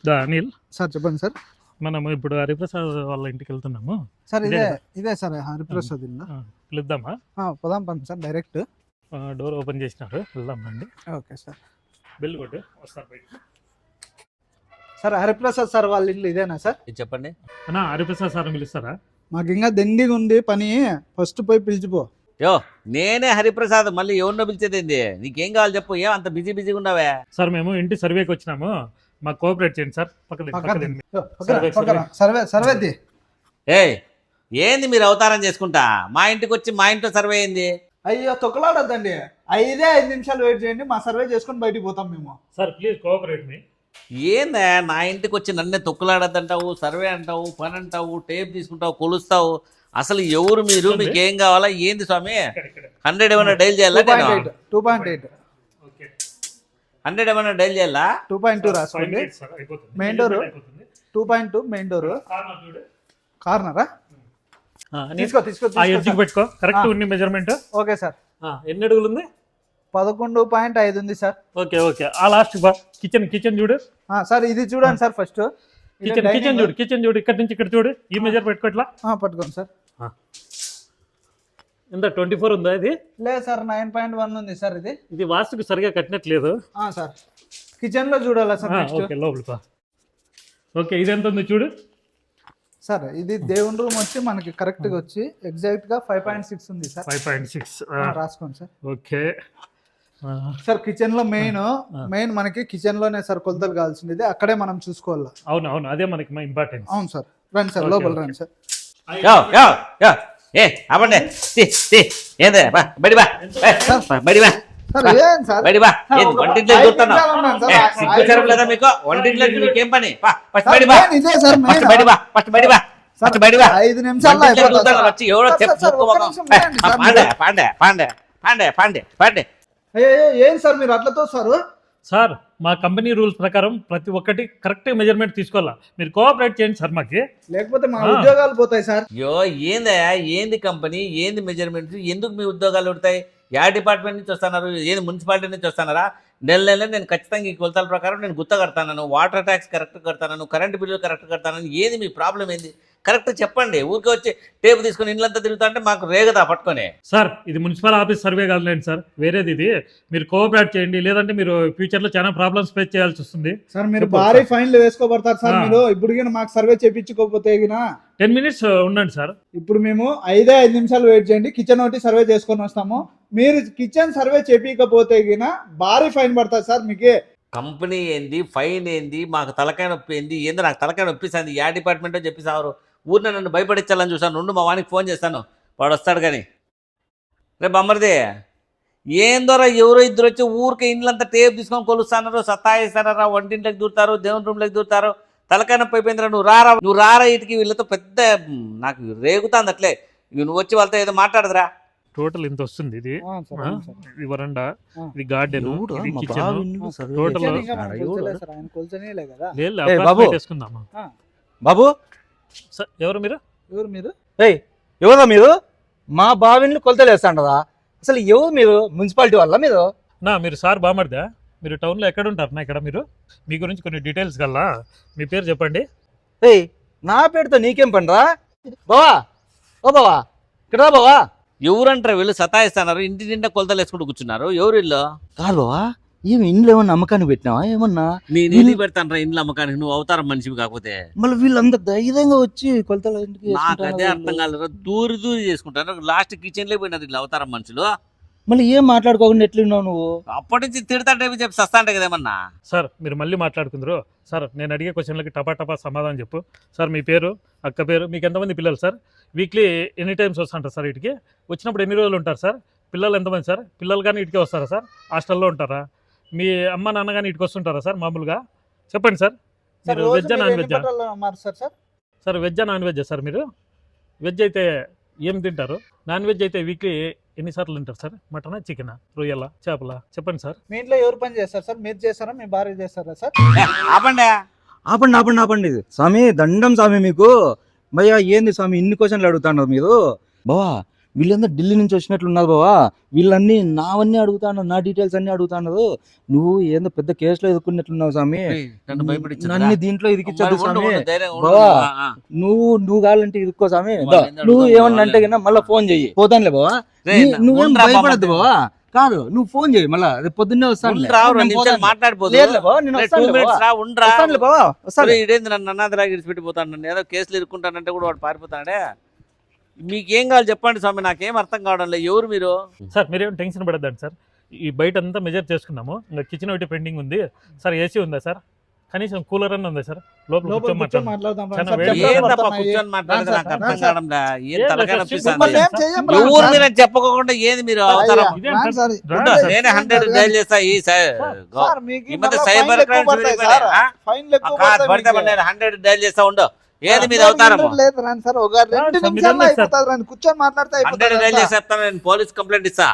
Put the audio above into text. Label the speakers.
Speaker 1: Anil
Speaker 2: sir చెప్పండి sir.
Speaker 1: మనము ఇప్పుడు హరిప్రసాద్ వాళ్ళ ఇంటికి వెళ్తున్నాము
Speaker 2: సార్ ఇదే సార్ హరిప్రసాద్ ఇల్లు.
Speaker 1: పిలుద్దామా?
Speaker 2: పోదాం పండి సార్ డైరెక్ట్.
Speaker 1: డోర్ ఓపెన్ చేసినారు, వెళ్దాం రండి.
Speaker 2: Okay sir.
Speaker 1: బిల్ కొట్టు, వస్తారు బయట.
Speaker 2: సార్ హరిప్రసాద్ సార్ వాళ్ళ ఇల్లు ఇదేనా సార్?
Speaker 3: చెప్పండి
Speaker 1: అన్నా, హరిప్రసాద్ సార్ పిలుస్తారా?
Speaker 2: మాకు ఇంకా దండిగా ఉంది పని, ఫస్ట్ పోయి పిలిచిపో.
Speaker 3: యో నేనే హరిప్రసాద్, మళ్ళీ ఎవరినో పిలిచేదేంది? నీకేం కావాలి చెప్పు, ఏం అంత బిజీగా ఉన్నావే?
Speaker 1: సార్ మేము ఇంటి సర్వేకి వచ్చినాము, మాకు కోఆపరేట్ చేయండి సార్.
Speaker 2: సర్వే.
Speaker 3: ఏంది మీరు అవతారం చేసుకుంటా మా ఇంటికి వచ్చి మా ఇంట్లో సర్వే అయింది?
Speaker 2: అయ్యో తొక్కలాడద్దండి, 5 నిమిషాలు వెయిట్ చేయండి, మా సర్వే చేసుకొని బయటికి పోతాం మేము.
Speaker 1: Sir please cooperate me.
Speaker 3: ఏందా నా ఇంటికి వచ్చి నన్నే తొక్కులాడద్దంటావు, సర్వే అంటావు, పని అంటావు, టేప్ తీసుకుంటావు, కొలుస్తావు. అసలు ఎవరు మీరు? మీకు ఏం కావాలా? ఏంది స్వామి? 100 ఏమైనా డైల్ చేయాలా?
Speaker 2: 2.8
Speaker 3: 100 ఏమైనా డైల్ చేయాలా?
Speaker 2: 2.2 రాసుకోండి. మెయిన్ డోర్ 2.2, మెయిన్ డోర్ కార్నరా? తీసుకో
Speaker 1: పెట్టుకో. కరెక్ట్ ఉంది మెజర్మెంట్.
Speaker 2: Okay sir.
Speaker 1: ఎన్ని అడుగులు ఉంది?
Speaker 2: 11.5 ఉంది సార్.
Speaker 1: Okay okay. ఆ లాస్ట్ కిచెన్ చూడు
Speaker 2: సార్. ఇది చూడండి సార్ ఫస్ట్.
Speaker 1: కిచెన్ చూడు, ఇక్కడ నుంచి ఇక్కడ చూడు. ఈ మెజర్ పెట్టుకో. ఇట్లా
Speaker 2: పట్టుకోండి సార్.
Speaker 1: ఎంత 24 ఉందా? ఇది
Speaker 2: లేదు సార్, 9.1 ఉంది సార్. ఇది
Speaker 1: వాస్తుకు సరిగా కట్టినట్లేదు
Speaker 2: సార్. కిచెన్ లో చూడాలా సార్?
Speaker 1: ఓకే, లోపల. ఓకే, ఇది ఎంత ఉంది చూడు
Speaker 2: సార్. ఇది దేవుని రూమ్ వచ్చి మనకి కరెక్ట్ గా వచ్చి ఎగ్జాక్ట్ గా 5.6 ఉంది సార్.
Speaker 1: 5.6
Speaker 2: రాసుకోండి సార్.
Speaker 1: Okay
Speaker 2: sir. కిచెన్ లో మెయిన్ మనకి కిచెన్ లోనే సార్ కొలతలు కావాల్సింది, అక్కడే మనం చూసుకోవాలి.
Speaker 1: అవును, అదే మనకి ఇంపార్టెంట్.
Speaker 2: అవును సార్. రండి సార్, లోపల రండి సార్.
Speaker 3: లేదా మీకు వంటింట్లో మీకేం పని?
Speaker 2: 5 నిమిషాలు ఏం సార్ మీరు అట్లా తోస్తారు
Speaker 1: సార్? మా కంపెనీ రూల్స్ ప్రకారం ప్రతి ఒక్కటి కరెక్ట్ మెజర్మెంట్ తీసుకోవాలా. మీరు కోఆపరేట్ చేయండి సార్ మాకి,
Speaker 2: లేకపోతే మా ఉద్యోగాలు పోతాయి సార్.
Speaker 3: ఏంది కంపెనీ, ఏంది మెజర్మెంట్? ఎందుకు మీ ఉద్యోగాలు ఉంటాయి? యా డిపార్ట్మెంట్ నుంచి వస్తున్నారు? ఏంది మున్సిపాలిటీ నుంచి వస్తున్నారా? నెల నేను ఖచ్చితంగా ఈ కొలతల ప్రకారం నేను గుత్త కడతాను, వాటర్ ట్యాక్స్ కరెక్ట్ కడతాను, కరెంటు బిల్లు కరెక్ట్ కడతాను. ఏది మీ ప్రాబ్లం ఏంది? కరెక్ట్ చెప్పండి. ఊరికే వచ్చి టేపు తీసుకుని ఇండ్లంతా తిరుగుతా అంటే మాకు రేగదా పట్టుకొని.
Speaker 1: సార్ ఇది మున్సిపల్ ఆఫీస్ సర్వే కాదులేండి సార్, వేరేది. ఇది మీరు కోఆపరేట్ చేయండి, లేదంటే మీరు ఫ్యూచర్ లో చాలా ప్రాబ్లమ్స్ ఫేస్ చేయాల్సి వస్తుంది
Speaker 2: సార్. మీరు భారీ ఫైన్లు వేసుకోబడతారు సార్. మీరు ఇప్పుడు మాకు సర్వే చేయించుకోకపోతే
Speaker 1: 10 minutes ఉండండి సార్.
Speaker 2: ఇప్పుడు మేము 5 నిమిషాలు వెయిట్ చేయండి, కిచెన్ ఒకటి సర్వే చేసుకొని వస్తాము. మీరు కిచెన్ సర్వే చేయించకపోతే భారీ ఫైన్ పడతారు సార్. మీకే
Speaker 3: కంపెనీ ఏంది, ఫైన్ ఏంది, మాకు తలకాయ నొప్పి ఏంది? ఏందో నాకు తలకాయ నొప్పిస్తుంది. యా డిపార్ట్మెంటో చెప్పేసారు. ఊరిని నన్ను భయపడించాలని చూసాను. నుండి మా వానికి ఫోన్ చేస్తాను, వాడు వస్తాడు. కానీ రేపు అమ్మరిది ఏందోరా, ఎవరో ఇద్దరు వచ్చి ఊరికే ఇండ్లంతా టేప్ తీసుకొని కొలుస్తానారు, సత్తాయిస్తారా, వంటింట్లోకి దూరుతారు, దేవుని రూమ్లోకి దూరుతారు. తలకాయ నొప్పి అయిపోయిందిరా. నువ్వు రారా ఇటుకి. వీళ్ళతో పెద్ద నాకు రేగుతాంది అట్లే. నువ్వు వచ్చి వాళ్ళతో ఏదో మాట్లాడదురా.
Speaker 1: టోటల్ ఇంత వస్తుంది. ఇది వరండా, ఇది గార్డెన్, ఇది కిచెన్.
Speaker 4: బాబు
Speaker 1: ఎవరు మీరు?
Speaker 4: ఎవరా మీరు? మా బావిని కొలతలు వేస్తాండదా? అసలు ఎవరు మీరు? మున్సిపాలిటీ వల్ల మీరు?
Speaker 1: మీరు సార్ బామర్దా? మీరు టౌన్ లో ఎక్కడ ఉంటారు? ఇక్కడ మీరు మీ గురించి కొన్ని డీటెయిల్స్ కల్లా మీ పేరు చెప్పండి.
Speaker 4: నా పేరుతో నీకేం పనిరా బావా? ఓ బావా, ఇక్కడ బావా.
Speaker 3: ఎవరంటారా వీళ్ళు? సతాయిస్తున్నారు, ఇంటి నిండా కొలతలు వేసుకుంటూ కూర్చున్నారు. ఎవరు ఇల్లు?
Speaker 4: కాదు బావా, ఏమి ఇంట్లో ఏమన్నా అమ్మకానికి పెట్టినావా? ఏమన్నా
Speaker 3: నేను పెడతాను ఇంట్లో అమ్మకానికి, నువ్వు అవతారం మనిషివి కాకపోతే.
Speaker 4: మళ్ళీ వీళ్ళంతా ధైర్యంగా వచ్చి కొలతలు
Speaker 3: నాకు అదే అర్థం కాలేదు. దూరి చేసుకుంటారు. లాస్ట్ కిచెన్ లో పోయినారు ఇట్లా అవతారం మనుషులు.
Speaker 4: మళ్ళీ ఏం మాట్లాడుకోకుండా ఎట్లున్నావు నువ్వు?
Speaker 3: అప్పటి నుంచి తిడతాంటే చెప్పి సస్తా అంటే కదేమన్నా.
Speaker 1: సార్ మీరు మళ్ళీ మాట్లాడుకుందరు. సార్ నేను అడిగే క్వశ్చన్లకి టపా సమాధానం చెప్పు. సార్ మీ పేరు, అక్క పేరు, మీకు ఎంతమంది పిల్లలు సార్? వీక్లీ ఎనీ టైమ్స్ వస్తుంటారు సార్ ఇటుకి? వచ్చినప్పుడు ఎన్ని రోజులు ఉంటారు సార్? పిల్లలు ఎంతమంది సార్? పిల్లలు కానీ ఇటుకే వస్తారా సార్? హాస్టల్లో ఉంటారా? మీ అమ్మ నాన్న కానీ ఇటుకు వస్తుంటారా సార్ మామూలుగా? చెప్పండి సార్. మీరు వెజ్జా నాన్ వెజ్జా? సార్ వెజ్జా నాన్ వెజ్జా సార్? మీరు వెజ్ అయితే ఏం తింటారు? నాన్ వెజ్ అయితే వీక్లీ ఎన్నిసార్లు తింటారు సార్? మటనా, చికెనా, రొయ్యలా, చేపలా? చెప్పండి సార్.
Speaker 2: మీ ఇంట్లో ఎవరు పని చేస్తారు సార్? మీరు చేస్తారా, మీ భార్య చేస్తారా సార్?
Speaker 4: ఆపండి స్వామి, దండం స్వామి మీకు. భయ్యా ఏంది స్వామి ఇన్ని క్వశ్చన్లు అడుగుతున్నారు మీరు? బావా వీళ్ళందరూ ఢిల్లీ నుంచి వచ్చినట్లున్నారు బావా. వీళ్ళన్నీ నావన్నీ అడుగుతాను, నా డీటెయిల్స్ అన్ని అడుగుతాను. నువ్వు ఏందో పెద్ద కేసులో ఎదుర్కొన్నట్లున్నావు స్వామి.
Speaker 3: నన్ను భయపడించు
Speaker 4: నన్ను దీంట్లో ఇదికిచ్చొద్దు స్వామి. బావా నువ్వు కావాలంటే ఇరుక్కో స్వామి. నువ్వు ఏమన్నా అంటే కన్నా మళ్ళీ ఫోన్ చెయ్యి, పోతానులే బావా. నువ్వేం భయపడద్దు బావా. కాదు నువ్వు ఫోన్ చేయి, మళ్ళా రేపు పొద్దున్నే వస్తాను.
Speaker 3: ఇదేంది నన్ను అన్నాదిలాగా ఇడిచిపెట్టిపోతాను, నన్ను ఏదో కేసులు ఇరుక్కుంటానంటే కూడా వాడు పారిపోతాడే. మీకేం కావాలి చెప్పండి స్వామి, నాకేం అర్థం కావడం లేదు. ఎవరు మీరు?
Speaker 1: సార్ మీరేం టెన్షన్ పడద్దండి సార్, ఈ బయట అంతా మెజర్ చేసుకున్నాము. ఇంకా కిచెన్ ఒకటి పెండింగ్ ఉంది సార్. ఏసీ ఉందా సార్? కనీసం కూలర్ అన్న ఉందా సార్? లోపల కూర్చొని మాట్లాడదాం.
Speaker 2: మాట్లాడదాం
Speaker 1: చాలా
Speaker 2: సార్.
Speaker 1: వేడి.
Speaker 3: ఏందప్పా కూర్చొని మాట్లాడితే నాకు అర్థం కావడంలా. ఏం
Speaker 1: ఏం
Speaker 3: తలకాయ
Speaker 1: లేదు
Speaker 3: నొప్పిస్తుంది.
Speaker 1: సార్,
Speaker 2: మళ్ళీ ఏం చెయ్యం రా.
Speaker 3: ఎవరు మీరు అని చెప్పకుండా ఏంది మీరు అవతారం?
Speaker 1: ఇదేం
Speaker 2: రాండి
Speaker 1: సార్?
Speaker 2: సార్.
Speaker 1: రాండి సార్.
Speaker 3: నేనే 100 డైల్ చేస్తా ఈ
Speaker 2: సార్, మీకు
Speaker 3: ఈ మధ్య
Speaker 2: మళ్ళా
Speaker 3: సైబర్
Speaker 2: ఫైన్లు ఎక్కువ
Speaker 3: క్రైమ్స్
Speaker 2: పడతాయి
Speaker 3: పెరిగిపోయినాయి.
Speaker 2: సార్.
Speaker 3: ఆ?
Speaker 2: ఫైన్లు ఎక్కువ
Speaker 3: పడితే
Speaker 2: పడతాయి మీకు.
Speaker 3: నేను 100 డైల్ చేస్తా ఉండు. ఏది మీది అవతారం?
Speaker 2: లేదు రాండి సార్, ఒక 2
Speaker 1: సార్,
Speaker 2: నిమిషాల్లో
Speaker 1: మీరు
Speaker 2: అయిపోతుంది. రాండి కూర్చొని మాట్లాడితే
Speaker 3: 100 డైల్
Speaker 2: అయిపోతుంది.
Speaker 3: చేసేస్తాను, నేను పోలీస్ కంప్లైంట్ ఇస్తా.